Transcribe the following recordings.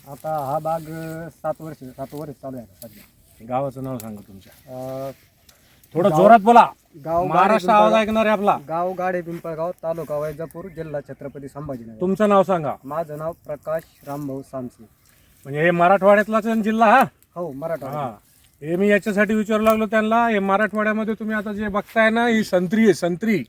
आता हा बाग 7 वर्ष चालू आहे सध्या. गावाचं नाव सांगा तुमच्या. थोडं गाव- जोरात बोला. गाव महाराष्ट्र आवाज ऐकणार आहे आपला. गाव गाडे पिंपळगाव, तालुका वैजापूर, जिल्हा छत्रपती संभाजीनगर. तुमचं नाव सांगा. माझं नाव प्रकाश रामभाऊ सामसी. म्हणजे हे मराठवाड्यातलाच आहे जिल्हा हा. हो, मराठा. हा, हे मी याच्यासाठी विचारू लागलो त्यांना. हे मराठवाड्यामध्ये तुम्ही आता जे बघताय ना, ही संत्री आहे, संत्री.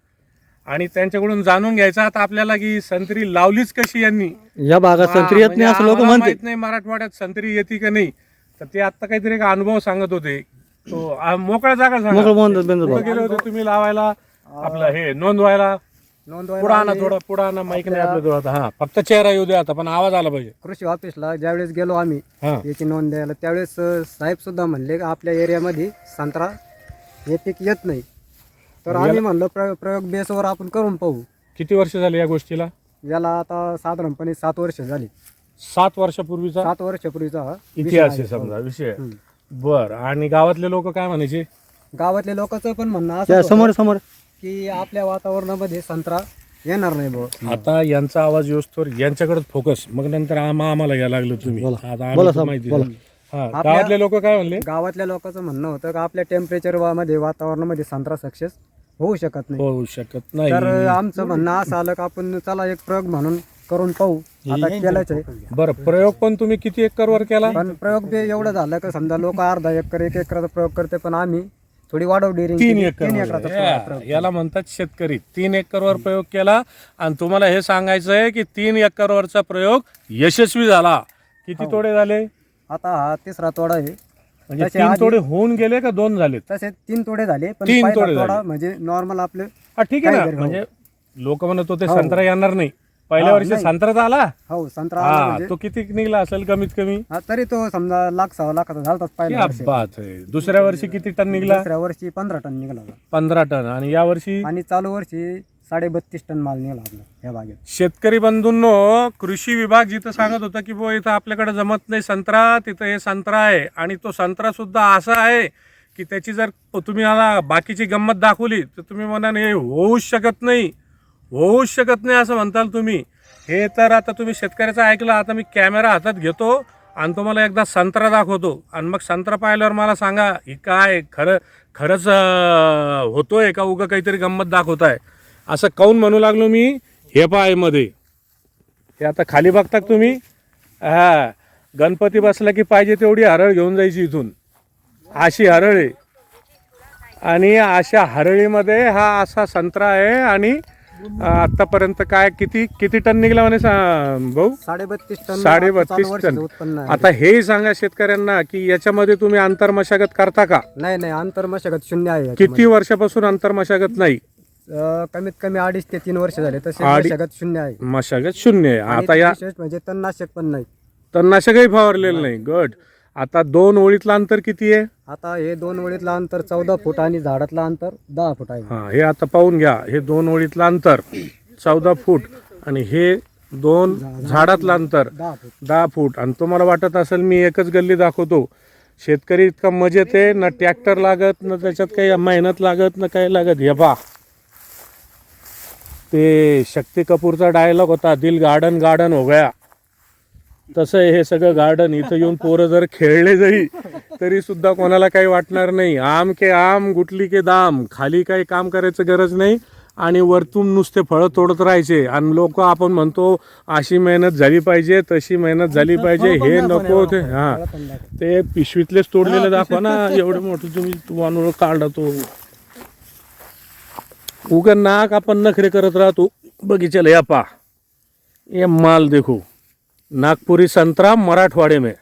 आणि त्यांच्याकडून जाणून घ्यायचं आता आपल्याला की संत्री लावलीच कशी यांनी. या भागात संत्री येत नाही असं लोक आम्हाला म्हणते. माहित नाही मराठवाड्यात संत्री येते का नाही. तर ते आता काहीतरी एक अनुभव सांगत होते. तो मोकळ्या जागा सांगा. मोकळं बोलतात बिंदू कुठं गेले होते तुम्ही लावायला आपलं हे नोंदवायला? पुढं आणा, थोडं पुढं आणा. माईक नाही आपल्या जवळ आता. हा, फक्त चेहरा येऊ द्या आता, पण आवाज आला पाहिजे. कृषी ऑफिसला ज्यावेळेस गेलो आम्ही हा, याची नोंद द्यायला, त्यावेळेस साहेब सुद्धा म्हणले की आपल्या एरियामध्ये संत्रा हे पीक येत नाही. तर आम्ही म्हणलो प्रयोग बेसवर आपण करून पाहू. किती वर्ष झाली या गोष्टीला? याला आता साधारणपणे 7 वर्ष झाली. 7 वर्षापूर्वीचा 7 वर्षापूर्वीचा हा विषय इतिहास आहे. आहे समजा विषय. हम्म. बर, आणि गावातले लोक काय म्हणायचे? गावातल्या लोकांचं पण म्हणणं असं त्या होतं समोर समोर की आपल्या वातावरणामध्ये संत्रा येणार नाही भाऊ. आता यांचा आवाज योस्तोर यांच्याकडेच फोकस, मग नंतर आम्हाला घ्यायला लागलो तुम्ही. बोला. आता आम्ही बोला तर साहेब, माहिती बोला. दिली. हा, गावातले लोक काय म्हणले? गावातल्या लोकांचं म्हणणं होतं की आपल्या टेम्परेचर मध्ये वातावरणामध्ये संत्रा सक्सेस होऊ शकत नाही. होऊ शकत नाही. तर आमचं म्हणणं असं आलं की आपण चला एक प्रयोग म्हणून करून पाहू. आता केलंच आहे. बरं, प्रयोग पण तुम्ही किती एकरवर केला? पण प्रयोग बी एवढं झालं की समजा लोक अर्धा एकर 1 एकराचा प्रयोग करते, पण आम्ही थोडी वाढव डेअरिंग 3 केली. एकर 3 एकराचा प्रयोग. याला म्हणतात शेतकरी. 3 एकरवर प्रयोग केला आणि तुम्हाला हे सांगायचं आहे की 3 एकरवरचा प्रयोग यशस्वी झाला. किती तोडे झाले? आता हा 3रा तोडा आहे. म्हणजे तसे 3 आधी- तोडे होऊन गेले का 2 झालेत? तसे 3 तोडे झाले, पण 3 पहिला तोडे तोडा झाले. म्हणजे नॉर्मल आपले. हा, ठीक आहे काय ना. तरी, म्हणजे लोक म्हणत होते हो. संत्रा येणार नाही. पहिल्या हा, वर्षी नाही. संत्रा आला. हो, संत्रा आला हा, म्हणजे तो किती निघला असेल कमीत कमी? हा, तरी तो समजा 1,00,000-1,15,00,000 झालताच पहिल्या क्या वर्षी. बात आहे. दुसऱ्या वर्षी किती टन निघला? दुसऱ्या वर्षी 15 टन निघाला होता. 15 टन. आणि या वर्षी? आणि चालू वर्षी 32.5 टन माल निघाला आपला या बागेत. शेतकरी बंधूंनो, कृषी विभाग जिथं सांगत होता की इथं आपल्याकडे जमत नाही संत्रा, तिथं हे संत्रा आहे. आणि तो संत्रा सुद्धा असा आहे की त्याची जर तुम्ही मला बाकीची गंमत दाखवली तर तुम्ही म्हणाल हे होऊच शकत नाही, होऊच शकत नाही असं म्हणताल तुम्ही. हे तर आता तुम्ही शेतकऱ्याचं ऐकलं. आता मी कॅमेरा हातात घेतो आणि तुम्हाला एकदा संत्रा दाखवतो आणि मग संत्रा पाहिल्यावर मला सांगा ही काय खरंच होतोय का उगा काहीतरी गंमत दाखवताय असं काऊन म्हणू लागलो मी. हे पायमध्ये हे आता खाली बघता तुम्ही. हा, गणपती बसला की पाहिजे तेवढी हरळ घेऊन जायची इथून. अशी हरळ आहे आणि अशा हरळीमध्ये हा असा संत्रा आहे. आणि आतापर्यंत काय किती टन निघला म्हणे भाऊ? 32.5 टन. 32.5 चालू वर्षीचं टन. उत्पन्न आहे. आता हेही सांगा शेतकऱ्यांना की याच्यामध्ये तुम्ही आंतरमशागत करता का? नाही, आंतर मशागत शून्य आहे किती याच्यामध्ये. वर्षापासून आंतरमशागत नाही? कमीत कमी 2.5 ते 3 वर्ष झाले. तसे अडीच- मशागत शून्य आहे. मशागत शून्य आहे. आणि आता या विशेष म्हणजे तणनाशक पण नाही. तणनाशकही फवारलेलं नाही. गट. आता 2 ओळीतलं अंतर किती आहे? आता हे 2 ओळीतलं अंतर 14 फूट आणि झाडातलं अंतर 10 फूट आहे. हा, हे आता पाहून घ्या. हे 2 ओळीतलं अंतर 14 फूट आणि हे 2 झाडातलं अंतर 10 फूट. 10 फूट. आणि तुम्हाला वाटत असेल मी एकच गल्ली दाखवतो. शेतकरी इतका मजेत आहे ना, ट्रॅक्टर लागत ना, त्याच्यात काही मेहनत लागत ना, काही लागत. हे पहा, ते शक्ती कपूरचा डायलॉग होता, दिल गार्डन गार्डन हो गया. तसं हे सगळं गार्डन. इथं येऊन पोरं जर खेळले जाई तरी सुद्धा कोणाला काही वाटणार नाही. आम के आम, गुटली के दाम. खाली काही काम करायचं गरज नाही आणि वरतून नुसते फळं तोडत राहायचे. आणि लोक आपण म्हणतो अशी मेहनत झाली पाहिजे, तशी मेहनत झाली पाहिजे. हे नको ते. हा, ते पिशवीतलेच तोडलेले दाखवा ना. एवढे मोठे तुम्ही वानूळ काढला तो. उगा नाक आपण नखरे करत राहतो बगीचाला. या पा, ये माल देखो, नागपुरी संतरा मराठवाड़े में.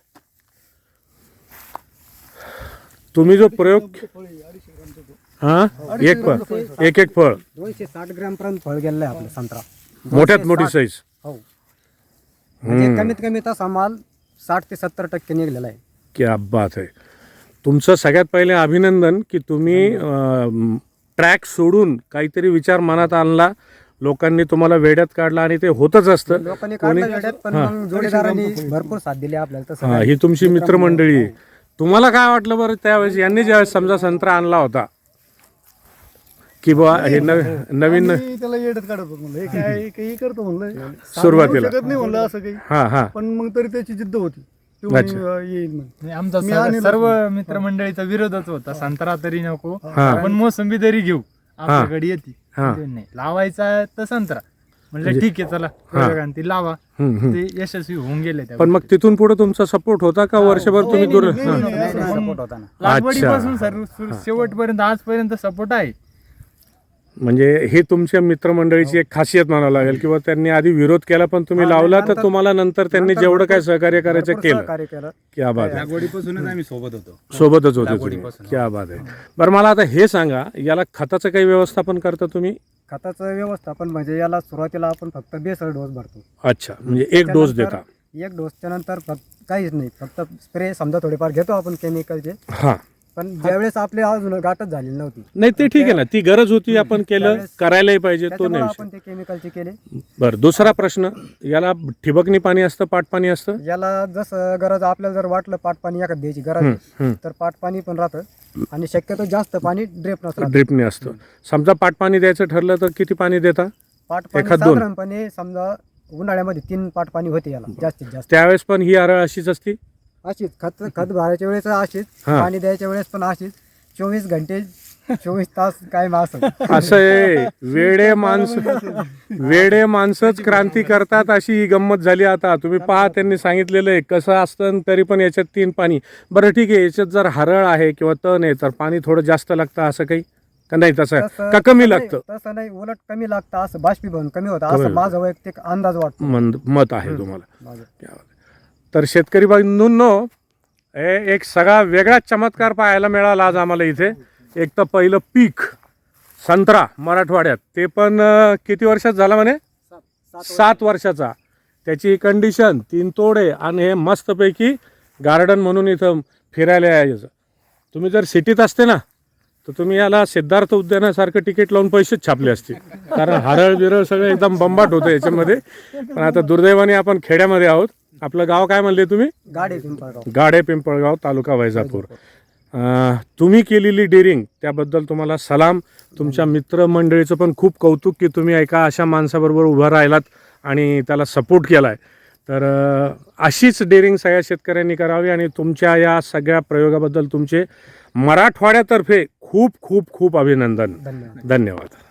तुम्ही जो प्रयोग हा, एक फळ 260 ग्रॅम पर्यंत फळ गेलेलं आहे आपलं संत्रा. मोठ्यात मोठी साईज. हो, म्हणजे कमीत कमी तसा माल 60 ते 70% निघलेला आहे. क्या बात आहे. तुमचं सगळ्यात पहिले अभिनंदन की तुम्ही ट्रॅक सोडून काहीतरी विचार मनात आणला. लोकांनी तुम्हाला वेड्यात काढला आणि ते होतच असतं. लोकांनी काढलं वेड्यात, पण मग जोडीदारांनी भरपूर साथ दिली आपल्याला. तसं हा, काय. ही तुमची मित्रमंडळी आहे. तुम्हाला काय वाटलं बरं त्यावेळेस यांनी ज्यावेळेस समजा संत्रा आणला होता की बुवा हे नवीन आम्ही त्याला येडत काढत होतो म्हणलं, हे काय काही करतो म्हणलं, सुरुवातीला. शकत नाही म्हणलं असं काही. हा हा पण मग तरी त्याची जिद्द होती, तो म्हणे, येईल म्हणे. नाही, आमचा मी आणेल सर्व मित्रमंडळीचा विरोधच होता, संत्रा तरी नको, हा. आपण मोसंबी तरी घेऊ, आपल्याकडे येते. हा. ते नाही लावायचा तर संत्रा म्हणलं ठीक आहे चला प्रयोगाने ती लावा. ते यशस्वी होऊन गेले त्या पण मग तिथून पुढे तुमचा सपोर्ट होता का वर्षभर तुम्ही दूर नाही, हा. नाही, असं नाही. गोष्टी. लागवडीपासून शेवटपर्यंत आजपर्यंत सपोर्ट आहे. म्हणजे हे तुमच्या मित्रमंडळीची एक खासियत म्हणावं लागेल किंवा त्यांनी आधी विरोध केला पण तुम्ही लावला तर तुम्हाला नंतर त्यांनी जेवढं काय सहकार्य करायचं केलं. कार्य केलं. क्या बात आहे. लागवडीपासूनच आम्ही सोबत होतो. सोबतच होते तुम्ही. क्या बात आहे. बरं मला आता हे सांगा, याला खताचं काही व्यवस्थापन करता तुम्ही? खताचं व्यवस्थापन म्हणजे याला सुरुवातीला आपण फक्त बेसळ डोस भरतो. अच्छा, म्हणजे एक डोस देता. एक डोसच्या नंतर काहीच नाही, फक्त स्प्रे समजा थोडेफार घेतो आपण केमिकलचे. हा, पण ज्यावेळेस आपली अजून गाठच झालेली नव्हती, नाही ते ठीक आहे ना, ती गरज होती, आपण केलं, करायलाही पाहिजे, तो त्याच्यामुळे नाही आपण ते केमिकलचे केले. बरं, दुसरा प्रश्न, याला ठिबकनी पाणी असतं, पाटपाणी असतं? याला जसं गरज आपल्याला जर वाटलं पाटपाणी एखाद द्यायची गरज आहे, तर पाटपाणी पण राहतं आणि शक्यतो जास्त पाणी ड्रेप नसतं. ड्रिपने असतं. समजा पाटपाणी द्यायचं ठरलं तर किती पाणी देता? पाटपाणी एखाद दोन? साधारणपणे समजा उन्हाळ्यामध्ये 3 पाटपाणी होते याला जास्तीत जास्त. त्यावेळेस पण ही आरळ अशीच असती? अशीच खत भरायच्या वेळेस अशीच, हा. पाणी द्यायच्या वेळेस पण अशीच. 24 घंटे 24 तास काय असं असं आहे. वेडे माणसंच क्रांती करतात, अशी ही गंमत झाली. आता तुम्ही पहा, त्यांनी सांगितलेलं आहे कसं असतं आणि तरी पण याच्यात 3 पाणी. बरं ठीक आहे, याच्यात जर हरळ आहे किंवा तण आहे तर पाणी थोडं जास्त लागतं असं काही का नाही? तसं का कमी लागतं? तसं नाही, उलट कमी लागतं, असं बाष्पीभवन कमी होतं असं माझा वैयक्तिक अंदाज वाटतो. मत आहे तुम्हाला. माझं. तर शेतकरी बंधूंनो, एक सगळा वेगळा चमत्कार पाहायला मिळाला आज आम्हाला इथे. एक तर पहिलं पीक संत्रा मराठवाड्यात, ते पण किती वर्षात झाला म्हणे? 7 वर्षाचा. त्याची कंडिशन 3 तोडे आणि हे मस्तपैकी गार्डन म्हणून इथं फिरायला यायचं. तुम्ही जर सिटीत असते ना तर तुम्ही याला सिद्धार्थ उद्यानासारखं तिकीट लावून पैसेच छापले असते, कारण हरळ बिरळ सगळं एकदम बंबाट होतं याच्यामध्ये. पण आता दुर्दैवाने आपण खेड्यामध्ये आहोत. आपलं गाव काय म्हणले तुम्ही? गाडे पिंपळगाव. गाडे पिंपळगाव, तालुका वैजापूर. तुम्ही केलेली डेअरिंग त्याबद्दल तुम्हाला सलाम. तुमच्या मित्रमंडळीचं पण खूप कौतुक की तुम्ही एका अशा माणसाबरोबर उभं राहिलात आणि त्याला सपोर्ट केला आहे. तर अशीच डेअरिंग सगळ्या शेतकऱ्यांनी करावी आणि तुमच्या या सगळ्या प्रयोगाबद्दल तुमचे मराठवाड्यातर्फे खूप खूप खूप अभिनंदन. धन्यवाद. धन्यवाद.